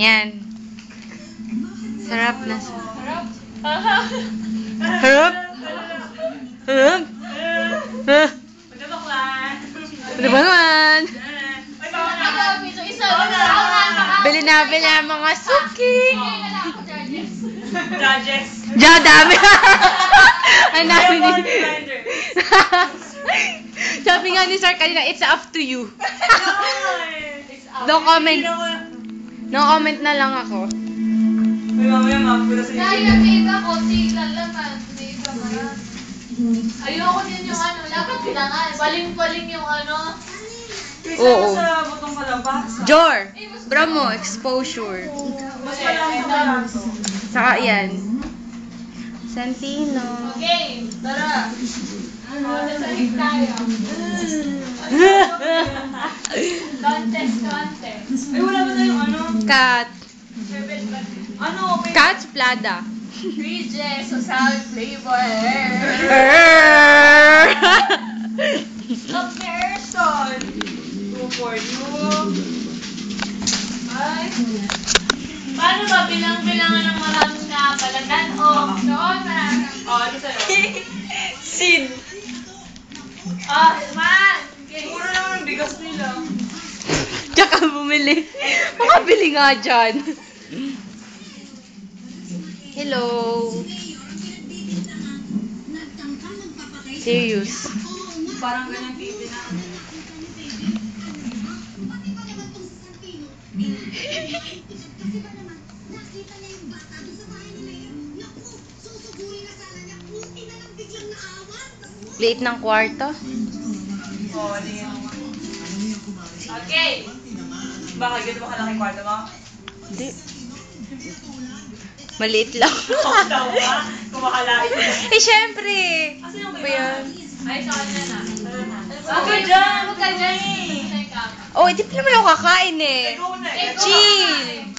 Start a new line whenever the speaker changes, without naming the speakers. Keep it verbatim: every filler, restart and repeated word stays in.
Yan. Sarap na.
Harap.
Harap. Harap. Ah.
Magkabaklan.
Ano ba naman?
Ay, baka na.
Isa.
Bili na, bili na mga suki.
Judges.
Ja, dami. Ang dami ni... Sabi nga ni Sir kanina, it's up to you. No comment. No comment na lang ako.
Ay, mamaya mapula sa
Dahil ang iba ko, tignan lang na. Iba mo yan. Ayoko din yung ano, dapat kailangan. Baling-baling yung ano.
Oo.
Sa butong palabas.
Jor, bra mo, exposure.
Mas malang sa barato.
Saka yan. Santino.
Okay, tara. Ano, nasalig tayo. Contest, contest.
Ay, wala ba tayong ano?
Cat.
Ano? May...
Cat's Plada.
Bridges, so salad flavor.
Comparison. Two for you.
Ay. Paano ba bilang-bilangan ng maraming nakapalatan? O, doon maraming.
Oh, ano sa'yo?
Sid.
Oh, man! Okay.
Mura naman ang bigas nila.
Tsaka bumili. Makabili nga dyan. Hello. Serious.
Parang ganyan T V na.
Late ng kwarto.
Oh, hindi nga.
Okay.
Baka ganito ba kalaki kwarto mo?
Hindi. Maliit lang.
Ako daw ba? Kumakalain mo.
Eh, syempre.
Kasi yung
Ba yan?
Ay, sa kanya na.
Huwag ka dyan!
Huwag ka dyan.
Oh, hindi pa naman ako kakain eh.
Ikaw na eh.
Chill.